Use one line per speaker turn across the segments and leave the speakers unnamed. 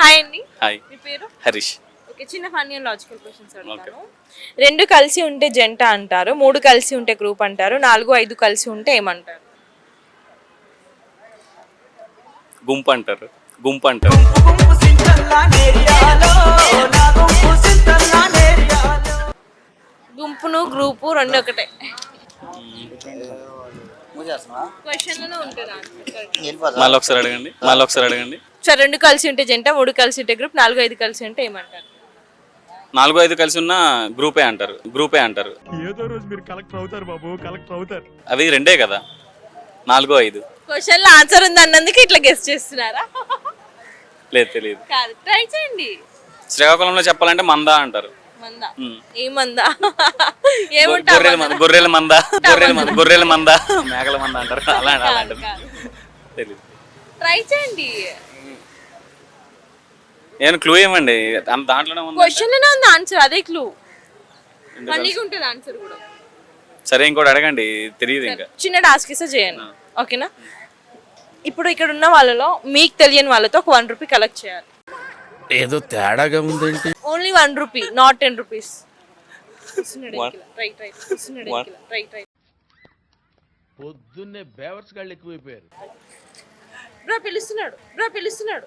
Hi అండి.
Hi,
మీ పేరు?
హరీష్.
ఓకే, చిన్న ఫన్నీ అండ్ లాజికల్ క్వశ్చన్స్ అడుగుతాను. 2 కలిసి ఉంటే జంట అంటారు, 3 కలిసి ఉంటే గ్రూప్ అంటారు, 4, 5 కలిసి ఉంటే ఏమంటారు?
గుంపు అంటారు. గుంపు అంటారు.
గుంపును గ్రూపు రెండు ఒకటే. క్వశ్చన్లోనే ఉంటుంది ఆన్సర్.
మళ్ళీ ఒకసారి అడగండి, మళ్ళీ ఒకసారి అడగండి.
సరే, 2 కలిసి ఉంటే జంట, 3 కలిసి ఉంటే గ్రూప్, 4, 5 కలిసి ఉంటే ఏమంటారు?
4, 5 కలిసి ఉన్న గ్రూపే అంటారు. గ్రూపే అంటారు.
ఏదో రోజు మీరు కలెక్టర్ అవుతారు బాబు, కలెక్టర్ అవుతారు.
అవి రెండే కదా, 4, 5.
క్వశ్చన్లో ఆన్సర్ ఉంది అన్నందుకు ఇట్లా గెస్ట్ చేస్తున్నారా?
లేదు, తెలియదు.
కాదు, ట్రై చేయండి.
శ్రీకాకుళంలో చెప్పాలంటే మందా అంటారు.
మందా? ఏ మందా?
గొర్రెల మందా, గొర్రెల మందా, మేకల మందా అంటారు. అలాంటిది తెలియదు.
ట్రై చేయండి.
నేను క్లూ ఇవ్వండి, దాంట్లోనే ఉంది.
క్వశ్చన్లోనే ఉంది ఆన్సర్, అదే క్లూ. ఫన్నీగా ఉంటుంది ఆన్సర్ కూడా.
సరే, ఇంకోటి అడగండి, తెలియదు ఇంకా.
చిన్న టాస్క్ ఇస్తే చేయండి, ఓకేనా? ఇప్పుడు ఇక్కడ ఉన్న వాళ్ళలో మీకు తెలియని వాళ్ళతో ఒక 1 రూపీ కలెక్ట్ చేయాలి.
ఏదో తేడాగా ఉందేంటి?
Only 1 rupee, not 10 rupees.
పొద్దున్నే బేవర్స్ గాళ్ళు ఎక్కువైపోయారు.
బ్రో పిలుస్తున్నాడు.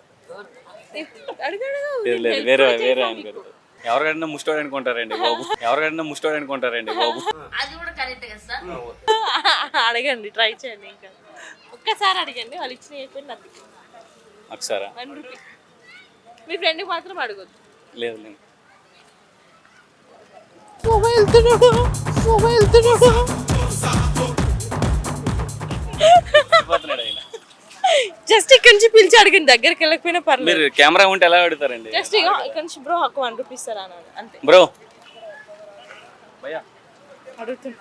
వేరే అనుకోరు. ఎవరికైనా ముష్టోడు అనుకుంటారండి బాబు, ఎవరికైనా ముష్టోడు అనుకుంటారండి బాబు.
అడగండి, ట్రై చేయండి. ఇంకా ఒక్కసారి అడగండి, వాళ్ళు ఇచ్చిన అయిపోయింది. అది
ఒకసారా?
1 రూపీ. మీ ఫ్రెండ్కి మాత్రం అడగొద్దు.
లేదు లేదు.
జస్ట్ ఇక్కడ నుంచి పిలిచి అడగండి, దగ్గరికి వెళ్ళకపోయినా పర్లేదు.
మీరు కెమెరా ఉంటే ఎలా అడుగుతారండి?
జస్ట్ ఇక్కడ నుంచి బ్రో ఒక 1 రూపీ ఇస్తారా అన్నాడు అంతే.
బ్రో భయ్యా
అడుగుతున్నా.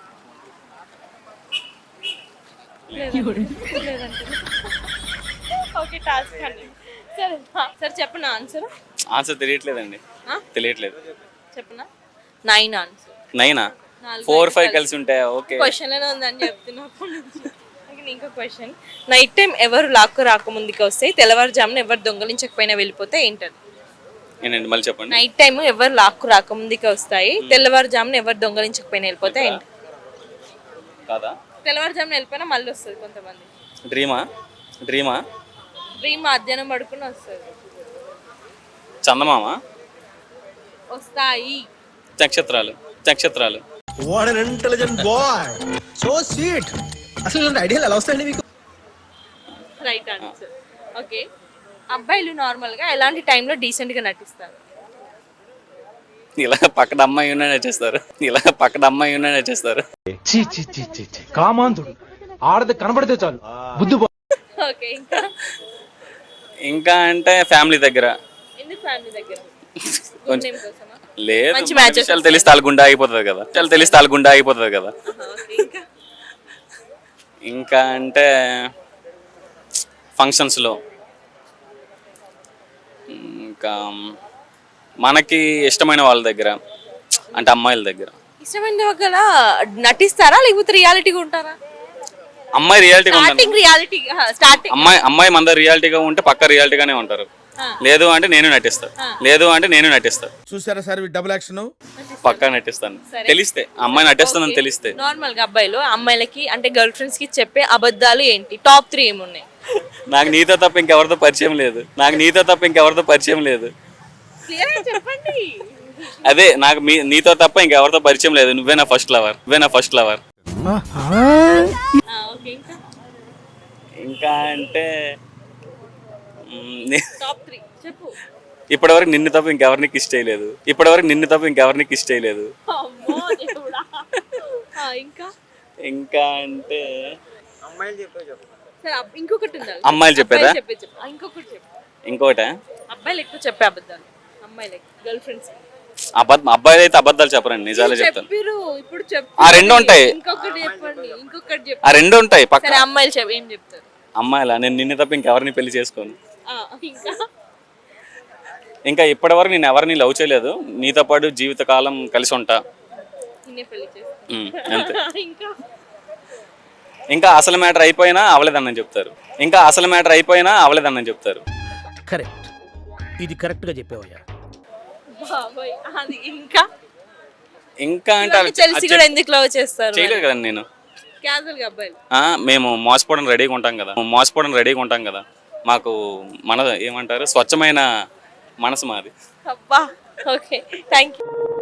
ఓకే, టాస్క్ అండి. సరే చెప్పనా
ఆన్సర్ తెలియట్లేదండి. తెలియట్లేదు.
చెప్పనా? 9 ఆన్సర్.
9ఆ? 4, 5 కలిసి ఉంటాయా? ఓకే.
క్వశ్చన్ లోనే ఉందని చెప్తున్నప్పటి నుంచి. ఇంకో క్వశ్చన్. నైట్ టైం ఎవరు లాక్కు రాకముందుకు వస్తే, తెల్లవారుజామున ఎవరు దొంగలించకపోయినా వెళ్ళిపోతే ఏంటది?
ఏంటండి, మళ్ళీ చెప్పండి.
నైట్ టైం ఎవరు లాక్కు రాకముందుకు వస్తాయి, తెల్లవారుజామున ఎవరు దొంగలించకపోయినా వెళ్ళిపోతే ఏంటి?
కాదా?
తెల్లవారుజామున వెళ్ళిపోయినా మళ్ళీ వస్తుంది కొంతమంది.
డ్రీమా?
డ్రీమ్ మధ్యాహ్నం పడుకుని వస్తుంది.
చందమామ?
వస్తాయి.
నక్షత్రాలు.
What an intelligent boy, so sweet. అసలు ఇలాంటి ఐడియాలు ఎలా వస్తాయండి మీకు?
Right answer. ఓకే, అబ్బాయిలు నార్మల్ గా ఎలాంటి టైంలో డీసెంట్ గా నటిస్తారు?
ఇలా పక్కన అమ్మాయి ఉన్నా నచ్చేస్తారు.
కామాంధుడు ఆడది కనబడితే చాలు బుద్ధి.
ఓకే,
ఇంకా అంటే ఫ్యామిలీ దగ్గర.
ఎందుకు ఫ్యామిలీ దగ్గర?
లేదు, విషయాలు తెలిస్తే వాళ్ళ గుండె ఆగిపోతుంది కదా. ఇంకా అంటే ఫంక్షన్స్లో, ఇంకా మనకి ఇష్టమైన వాళ్ళ దగ్గర, అంటే అమ్మాయిల దగ్గర.
ఇష్టమైన దగ్గర నటిస్తారా లేకపోతే రియాలిటీగా ఉంటారా?
అమ్మాయి రియాలిటీగా అమ్మాయి మన రియాలిటీగా ఉంటే పక్క రియాలిటీగానే ఉంటారు. లేదు అంటే నేను నటిస్తాను.
చూసారా సార్ డబుల్ యాక్షన్?
పక్కా నటిస్తాను. తెలిస్తే అమ్మాయి నటిస్తుందని తెలిస్తే.
నార్మల్ గా అబ్బాయిలు అమ్మాయిలకి అంటే గర్ల్ ఫ్రెండ్స్ కి చెప్పే అబద్ధాలు ఏంటి? టాప్ 3 ఏమున్నాయి?
నాకు నీతో తప్ప ఇంకెవరితో పరిచయం లేదు.
క్లియర్ గా చెప్పండి.
అదే, నాకు నీతో తప్ప ఇంకెవరితో పరిచయం లేదు. నువ్వే నా ఫస్ట్ లవర్. ఇంకా అంటే
టాప్ 3 చెప్పు.
ఇప్పటివరకు నిన్ను తప్ప ఇంకెవరిని కిస్ చేయలేదు.
అమ్మో దేవుడా.
ఇంకా అంటే
ఇంకొకటి ఉందా?
అమ్మాయిలు చెప్పేదా? ఇంకోట
అబ్బాయిలు ఎక్కువ చెప్పే అబద్ధాలు అమ్మాయిలకి గర్ల్ ఫ్రెండ్స్.
అబ్బాయిలు అయితే అబద్ధాలు చెప్పరండి, నిజాలే చెప్తాను.
ఇప్పుడు
ఆ రెండు ఉంటాయి.
ఇంకొకటి చెప్పండి.
ఆ రెండు ఉంటాయి పక్క.
అమ్మాయిలు ఏం చెప్తారు?
అమ్మాయిలా? నేను నిన్ను తప్ప ఇంకెవరిని పెళ్లి చేసుకోను. ఇంకా ఇప్పటివరకు నేను ఎవరిని లవ్ చేయలేదు. నీతో పాటు జీవితకాలం కలిసి ఉంటా అంతే. ఇంకా అసలు మ్యాటర్ అయిపోయినా అవలేదన్నని చెప్తారు. కరెక్ట్.
ఇది కరెక్ట్ గా చెప్పావయ్యా.
బాబోయ్ అది ఇంకా
ఇంకా అంటే
ఇవన్నీ తెలిసి కూడా ఎందుకు లవ్ చేస్తారు
చేయలేదు కదండి నేను.
క్యాజువల్ గా అబ్బాయిలు
మేము మోసపోవడం రెడీగా ఉంటాం కదా మాకు మన ఏమంటారు స్వచ్ఛమైన మనసు మాది.
అబ్బా ఓకే థ్యాంక్ యూ